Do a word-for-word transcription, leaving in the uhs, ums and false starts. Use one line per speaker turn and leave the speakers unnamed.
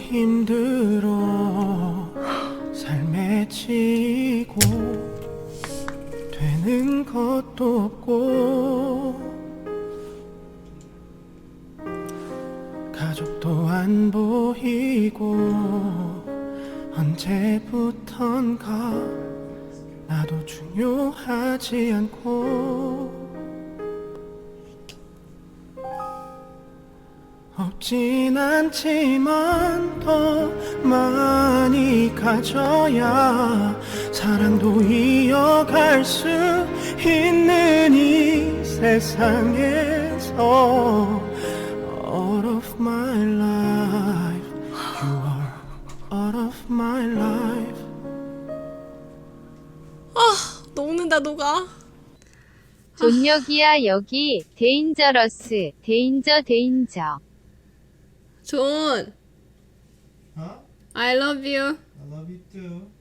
힘들어 삶에 지고 되는 것도 없고 가족도 안 보이고 언제부턴가 나도 중요하지 않고 없진 않지만 더 많이 가져야 사랑도 이어갈 수 있는 이 세상에서 All of my life You are all of my life.
아, 녹는다 녹아.
존여기야 여기 데인저러스 데인저 데인저.
존,
Huh?
I love you.
I love you too.